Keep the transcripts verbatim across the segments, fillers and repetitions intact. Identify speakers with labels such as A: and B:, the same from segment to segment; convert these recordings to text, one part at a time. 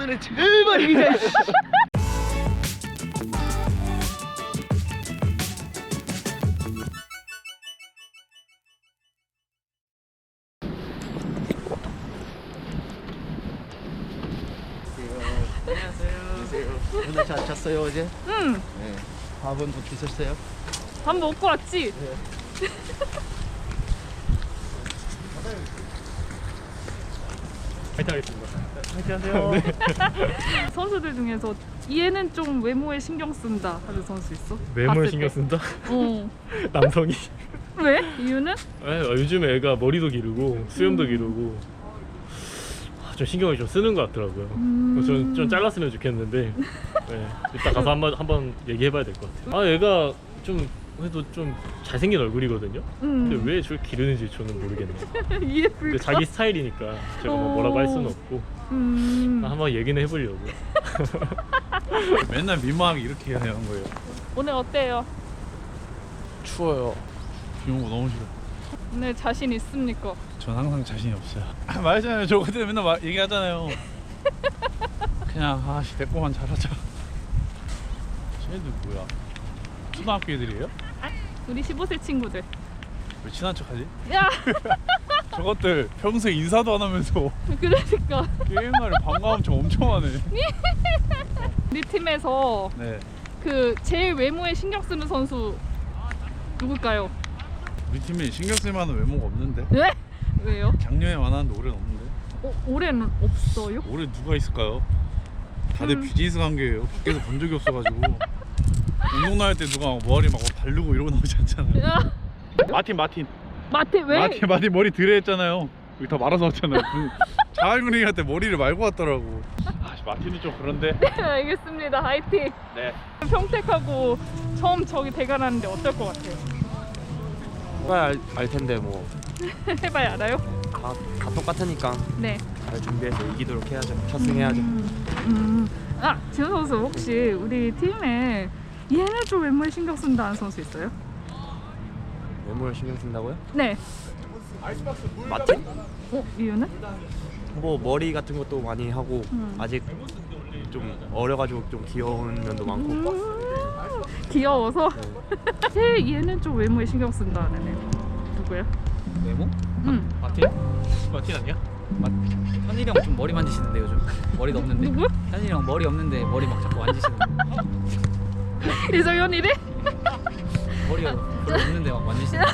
A: 오늘은 제발 이기자. 안녕하세요. 오늘 잘 잤어요 어제?
B: 응.
A: 네. 밥은 뭐 드셨어요?
B: 밥 먹고 왔지?
A: 네.
C: 파이팅 하겠습니다.
A: 파이팅 하세요. 네.
B: 선수들 중에서 얘는 좀 외모에 신경 쓴다 하는 선수 있어?
C: 외모에
B: 봤을
C: 신경
B: 때?
C: 쓴다?
B: 어.
C: 남성이.
B: 왜? 이유는?
C: 아, 요즘 애가 머리도 기르고 수염도
B: 음.
C: 기르고 아, 좀 신경을 좀 쓰는 것 같더라고요.
B: 음.
C: 저는 좀 잘랐으면 좋겠는데 네, 이따 가서 한번 한번 얘기해봐야 될 것 같아요. 아 얘가 좀 그래도 좀 잘생긴 얼굴이거든요.
B: 음.
C: 근데 왜 저를 기르는지 저는 모르겠네요.
B: 이해
C: 근데
B: 불가.
C: 자기 스타일이니까 제가 뭐 뭐라고 할 수는 없고
B: 음.
C: 한번 얘기는 해보려고.
D: 맨날 민망하게 이렇게 해야 하는 거예요.
B: 오늘 어때요?
D: 추워요. 비 오는 거 너무 싫어.
B: 오늘 자신 있습니까?
D: 전 항상 자신이 없어요. 말했잖아요. 저 그때 맨날 말, 얘기하잖아요. 그냥 아씨 내 거만 잘하자. 쟤네들 뭐야? 초등학교 애들이에요?
B: 우리 십오 세 친구들.
D: 왜 친한 척하지?
B: 야.
D: 저것들 평소에 인사도 안 하면서
B: 그러니까
D: 게임날에 반가움 좀 엄청 하네.
B: 우리 팀에서
D: 네.
B: 그 제일 외모에 신경 쓰는 선수 누굴까요?
D: 우리 팀에 신경 쓸 만한 외모가 없는데.
B: 네? 왜요?
D: 작년에 많았는데 올해는 없는데.
B: 어, 올해는 없어요?
D: 올해 누가 있을까요? 다들
B: 음.
D: 비즈니스 관계예요. 밖에서 본 적이 없어가지고. 운동 나갈 때 누가 머리 막 바르고 이러고 나오지 않잖아요.
B: 야.
D: 마틴 마틴.
B: 마틴 왜?
D: 마틴 마틴 머리 드레했잖아요. 여기 다 말아서 왔잖아요. 자갈구리 할 때 머리를 말고 왔더라고. 아, 마틴은 좀 그런데.
B: 네, 알겠습니다. 화이팅.
D: 네.
B: 평택하고 처음 저기 대결하는데 어떨 것 같아요?
E: 해봐야 알, 알 텐데 뭐
B: 해봐야 알아요?
E: 다, 다 똑같으니까
B: 네.
E: 잘 준비해서 이기도록 해야죠. 첫승해야죠.
B: 음, 음. 아, 지훈 선수 혹시 우리 팀에 얘는 좀 외모에 신경 쓴다는 선수 있어요?
E: 외모를 신경 쓴다고요?
B: 네.
E: 마틴?
B: 어, 이유는?
E: 뭐 머리 같은 것도 많이 하고
B: 음.
E: 아직 좀 어려가지고 좀 귀여운 면도 많고.
B: 음, 귀여워서. 제일 얘는 좀 외모에 신경 쓴다는 애 누구야?
F: 외모?
B: 음.
F: 마틴?
C: 마틴 아니야?
F: 현일이 형 좀 머리 만지시는데 요즘 머리도 없는데
B: 누구?
F: 현일이 형 머리 없는데 머리 막 자꾸 만지시는데
B: 이정현이래?
F: 머리가 별로 없는데 막 만지시는데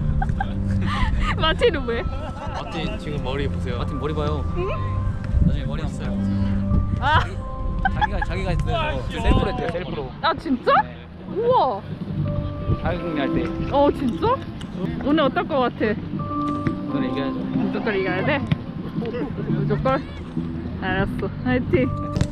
B: 마틴은 왜?
F: 마틴 지금 머리 보세요. 마틴 머리 봐요. 나중에 머리 없어요.
B: 아,
F: 자기가 자기가 했어요. 셀프로 했대요. 셀프로.
B: 아 진짜?
F: 네.
B: 우와.
F: 자기공개할 때
B: 어 진짜? 오늘 어떨 것 같아?
F: 오늘 이겨야죠.
B: 무조건 이겨야 돼? 무조건? 알았어. 화이팅.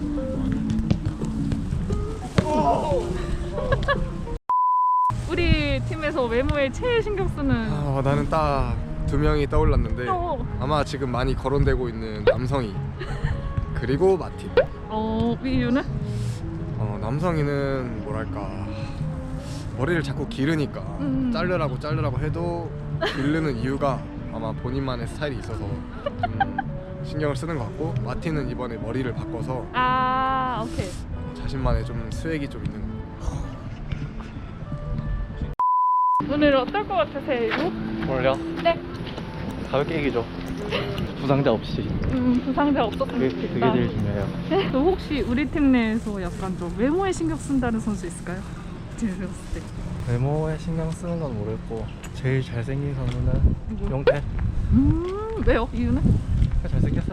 B: 우리 팀에서 외모에 제일 신경 쓰는
G: 아, 나는 딱 두 명이 떠올랐는데
B: 어.
G: 아마 지금 많이 거론되고 있는 남성이 그리고 마틴.
B: 어, 이유는?
G: 어, 남성이는 뭐랄까 머리를 자꾸 기르니까
B: 음.
G: 자르라고 자르라고 해도 기르는 이유가 아마 본인만의 스타일이 있어서 좀 신경을 쓰는 것 같고, 마틴은 이번에 머리를 바꿔서
B: 아, 오케이.
G: 자신만의 좀 스웩이 좀 있는 것
B: 오늘 어떨 것 같으세요, 이거?
C: 오늘요?
B: 네.
C: 가볍게 이기죠. 부상자 없이.
B: 음, 부상자 없었으면
C: 그게,
B: 좋겠다.
C: 그게 제일 중요해요.
B: 네? 또 혹시 우리 팀 내에서 약간 좀 외모에 신경 쓴다는 선수 있을까요? 제가 봤을 때.
H: 외모에 신경 쓰는 건 모르겠고 제일 잘생긴 선수는
B: 누구?
H: 용태.
B: 음, 왜요? 이유는?
H: 잘생겼어요.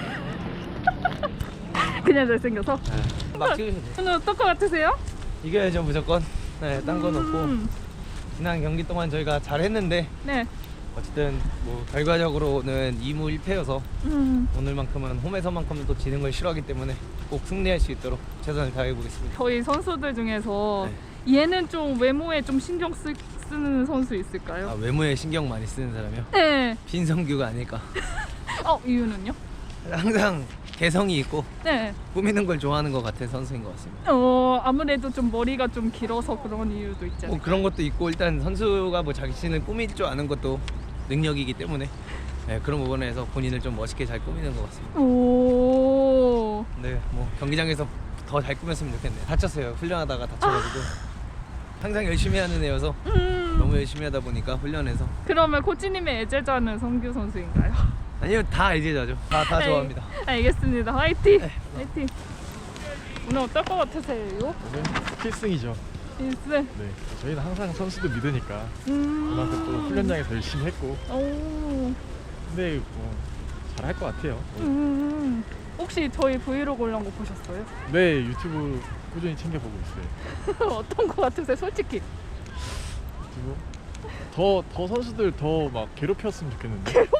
B: 그냥 잘생겨서?
H: 막 찍으셔도 돼요.
B: 오늘 어떨 것 같으세요?
H: 이겨야죠 무조건. 네, 딴 건 없고
B: 음,
H: 지난 경기 동안 저희가 잘했는데
B: 네.
H: 어쨌든 뭐 결과적으로는 이 무 일 패여서
B: 음,
H: 오늘만큼은 홈에서만큼은 또 지는 걸 싫어하기 때문에 꼭 승리할 수 있도록 최선을 다해보겠습니다.
B: 저희 선수들 중에서 얘는 좀 외모에 좀 신경 쓰, 쓰는 선수 있을까요?
H: 아, 외모에 신경 많이 쓰는 사람이요?
B: 네.
H: 신성규가 아닐까.
B: 어, 이유는요?
H: 항상 개성이 있고
B: 네.
H: 꾸미는 걸 좋아하는 것 같은 선수인 것 같습니다.
B: 어, 아무래도 좀 머리가 좀 길어서 그런 이유도 있지
H: 뭐
B: 않을까요?
H: 그런 것도 있고 일단 선수가 뭐 자신을 꾸밀 줄 아는 것도 능력이기 때문에 네, 그런 부분에서 본인을 좀 멋있게 잘 꾸미는 것 같습니다.
B: 오.
H: 네, 뭐 경기장에서 더 잘 꾸몄으면 좋겠네요. 다쳤어요. 훈련하다가 다쳐가지고 항상 열심히 하는 애여서
B: 음.
H: 너무 열심히 하다 보니까 훈련해서
B: 그러면 코치님의 애제자는 성규 선수인가요?
H: 아니요 다 애제자죠. 다 다 좋아합니다.
B: 알겠습니다. 화이팅. 화이팅. 오늘 어떨 것 같으세요?
I: 오늘 필승이죠.
B: 일승.
I: 네, 저희는 항상 선수들 믿으니까
B: 음.
I: 그만큼 또 훈련장에서 열심히 했고,
B: 오.
I: 근데 뭐 잘할 것 같아요.
B: 음. 혹시 저희 브이로그 올라온 거 보셨어요?
I: 네, 유튜브 꾸준히 챙겨보고 있어요.
B: 어떤 거 같으세요? 솔직히.
I: 그리고 더, 더 선수들 더 막 괴롭혔으면 좋겠는데.
B: 괴롭혀?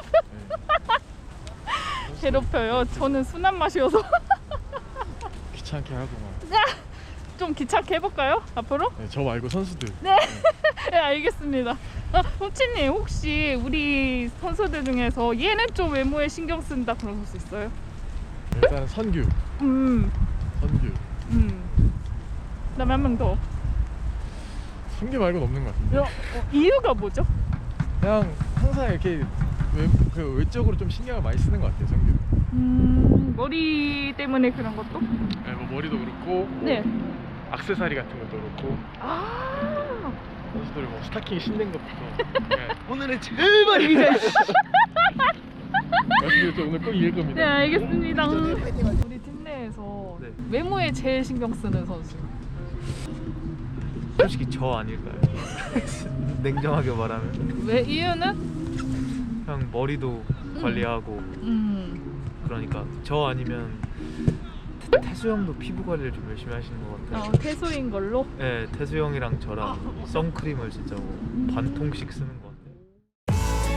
I: 네.
B: 괴롭혀요. 저는 순한 맛이어서.
I: 귀찮게 하고 막.
B: 좀 귀찮게 해볼까요? 앞으로?
I: 네, 저 말고 선수들.
B: 네. 네, 알겠습니다. 아, 코치님 혹시 우리 선수들 중에서 얘는 좀 외모에 신경 쓴다 그런 선수 있어요?
I: 일단 선규,
B: 음.
I: 선규.
B: 음. 그다음에 한 명 더.
I: 선규 말고는 없는 것 같은데.
B: 어, 어, 이유가 뭐죠?
I: 그냥 항상 이렇게 외, 그 외적으로 좀 신경을 많이 쓰는 것 같아요, 선규.
B: 음. 머리 때문에 그런 것도?
I: 네, 뭐 머리도 그렇고, 뭐
B: 네.
I: 액세서리 같은 것도 그렇고,
B: 아.
I: 선수들 뭐 스타킹 신는 것부터. 네.
A: 오늘은 제발 이기자.
I: 말씀드렸죠, 오늘 꼭 이길 겁니다.
B: 네, 알겠습니다. 우리 팀 내에서
C: 네.
B: 외모에 제일 신경 쓰는 선수.
C: 솔직히 저 아닐까요? 냉정하게 말하면
B: 왜 이유는?
C: 그냥 머리도 관리하고
B: 음.
C: 그러니까 저 아니면 태- 태수 형도 피부 관리를 좀 열심히 하시는 것 같아요.
B: 어, 태소인 걸로.
C: 네, 태수 형이랑 저랑 선크림을 진짜 뭐 반 통씩 쓰는 것 같아요.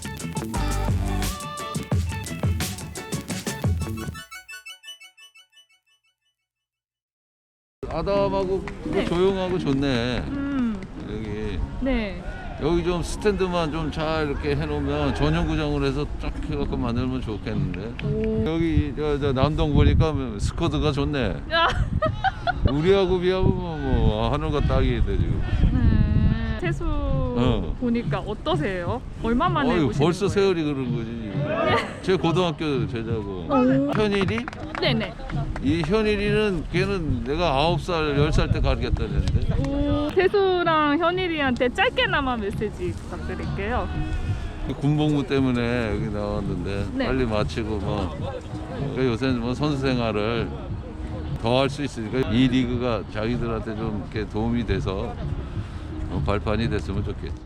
J: 아담하고
B: 네.
J: 조용하고 좋네.
B: 음.
J: 여기
B: 네.
J: 여기 좀 스탠드만 좀 잘 이렇게 해놓으면 전용구장으로 해서 쫙 해갖고 만들면 좋겠는데.
B: 오.
J: 여기 저, 저 남동 보니까 스쿼드가 좋네.
B: 야.
J: 우리하고 비하면 뭐, 뭐 하늘과 땅이 돼 지금.
B: 네. 태수
J: 어.
B: 보니까 어떠세요? 얼마 만에
J: 어휴,
B: 보시는
J: 벌써
B: 거예요?
J: 세월이 그런 거지. 제 고등학교 제자고.
B: 오.
J: 현일이?
B: 네네.
J: 이 현일이는 걔는 내가 아홉 살, 열 살 때 가르쳤다는데.
B: 오. 태수랑 현일이한테 짧게나마 메시지 부탁드릴게요.
J: 군복무 때문에 여기 나왔는데
B: 네.
J: 빨리 마치고 뭐 그러니까 요새는 뭐 선수 생활을 더 할 수 있으니까 이 리그가 자기들한테 좀 이렇게 도움이 돼서 어, 발판이 됐으면 좋겠지.